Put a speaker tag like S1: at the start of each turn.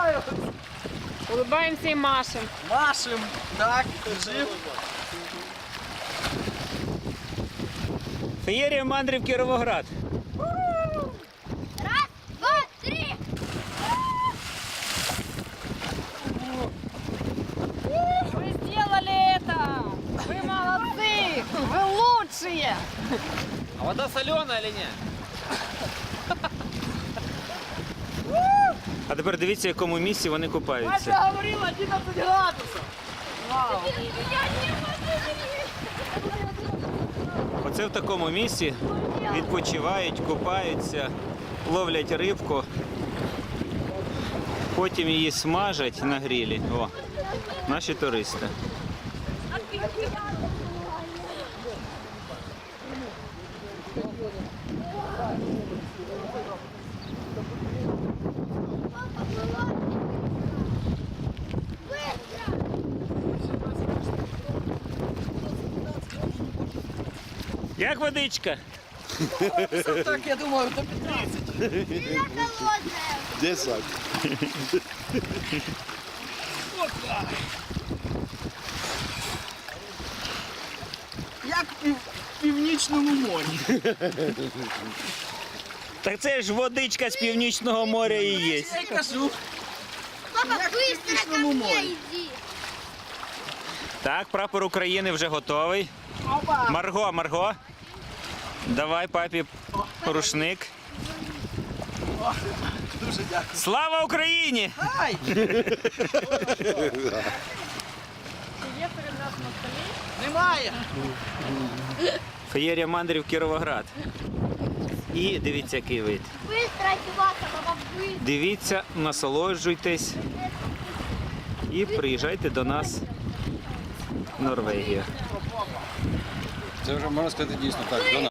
S1: Улыбаємося і машем.
S2: Машем. Так, жив.
S3: Феєрія мандрів Кіровоград.
S4: Раз, два, три.
S1: Вы сделали это! Вы молодцы! Вы лучшие!
S2: А вода соленая или ні?
S3: А тепер дивіться, в якому місці вони купаються.
S2: говорила 11 градусів.
S3: Оце в такому місці відпочивають, купаються, ловлять рибку, потім її смажать на грилі. О, наші туристи. Як водичка?
S2: Так, я думаю, до 15.
S4: Сильно холодная.
S5: 10.
S2: Як в Північному морі.
S3: Так це ж водичка з Північного моря і є.
S2: Я й кажу.
S4: Папа,
S2: Як в
S4: быстро ко
S2: Північному
S4: мне
S2: морі.
S4: иди.
S3: Так, прапор України вже готовий.
S2: Опа.
S3: Марго, Марго. Давай папі рушник.
S2: Дуже дякую.
S3: Слава Україні!
S2: Ай! Немає.
S3: Феєрія мандрів Кіровоград. І дивіться, який вид.
S4: Быстро одеваться, папа, быстро.
S3: Дивіться, насолоджуйтесь і приїжджайте до нас в Норвегію.
S5: Це вже можна сказати дійсно так. До нас.